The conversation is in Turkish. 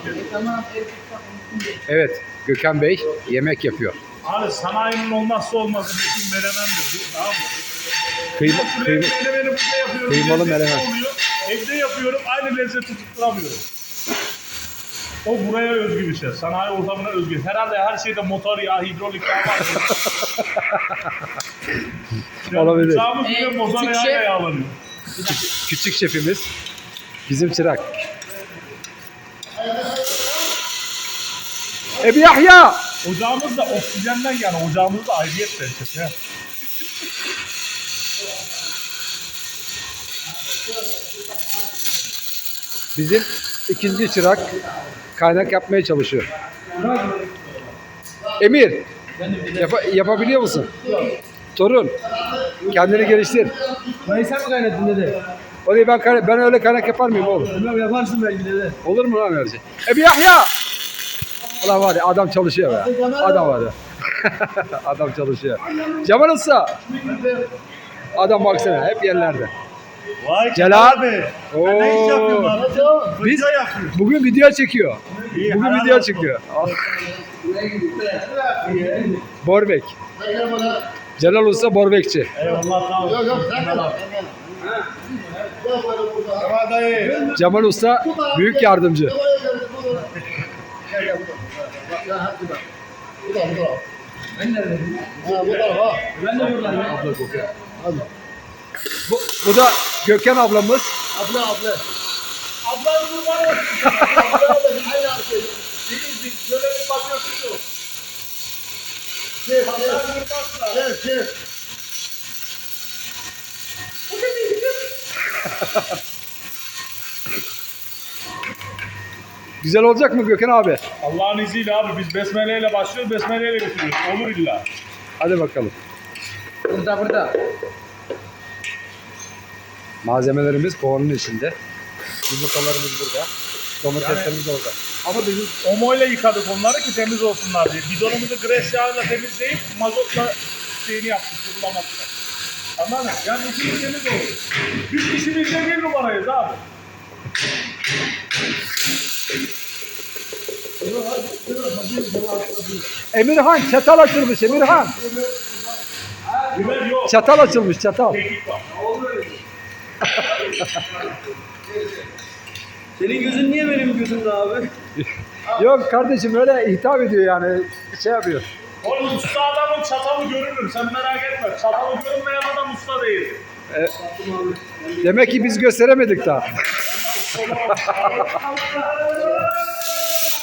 Evet, Gökhan Bey yemek yapıyor. Abi sanayinin olmazsa olmazı meşhur menemendir bu. Tamam mı? Menemeni burada yapıyorum. Kıymalı lezzetli menemen. oluyor. Evde yapıyorum. Aynı lezzeti tutturamıyorum. O buraya özgü bir şey. Sanayi ortamına özgü. Herhalde her şeyde motor yağı, hidrolik yağı var. Olabilir. Uçağımız bile motor yağıyla yağlanıyor. Küçük şefimiz bizim çırak. Ebi Yahya! Ocağımız da oksijenden yani. Ocağımız da ayrıyet derecesi. Ya. Bizim ikinci çırak kaynak yapmaya çalışıyor. Emir, yapabiliyor musun? Torun, kendini geliştir. Dayı sen mi kaynattın dede? Orayı ben öyle kaynak yapar mıyım oğlum? Bilmem yaparsın belki dede. Olur mu lan öyle şey? Ebi Yahya! Ulan var ya adam çalışıyor be. Adam var ya. Adam çalışıyor. Cemal Usta. Adam baksana hep yerlerde. Vay Celal. abi. Oo. Ne iş yapıyorsun abi? Biz Fırça yapıyor. bugün video çekiyor. İyi, Bugün helal video olsun. çekiyor. Borbek. Celal Usta Borbekçi. Eyvallah sağ ol. Tamam dayı. Cemal Usta büyük yardımcı. Bu da Gökhan ablamız. Ablam kurban olsun. Aynı arkadaş. Şöyle bir bakıyorsun. Ablam kurban. Güzel olacak mı Gökhan abi? Allah'ın izniyle abi biz besmeleyle başlıyoruz, besmeleyle bitiriyoruz. Olur illa. Hadi bakalım. Burada. Malzemelerimiz kovanın içinde. Yumurtalarımız burada. Domateslerimiz orada. Ama bizim Omoyla yıkadık onları ki temiz olsunlar diye. Bidonumuzu gres yağıyla temizleyip mazotla şeyini yaptık, kurulamakla. Anladın mı? Yani işimiz temiz olur. Biz işimizde bir numarayız abi. Emirhan çatal açılmış Emirhan. Biber yok. Çatal açılmış çatal. Kekik var. Senin gözün niye benim gözümde abi? Yok kardeşim öyle hitap ediyor yani şey yapıyor. Oğlum usta adamın çatalı görünür. Sen merak etme. Çatalı görünmeyen adam usta değil. Demek ki biz gösteremedik daha.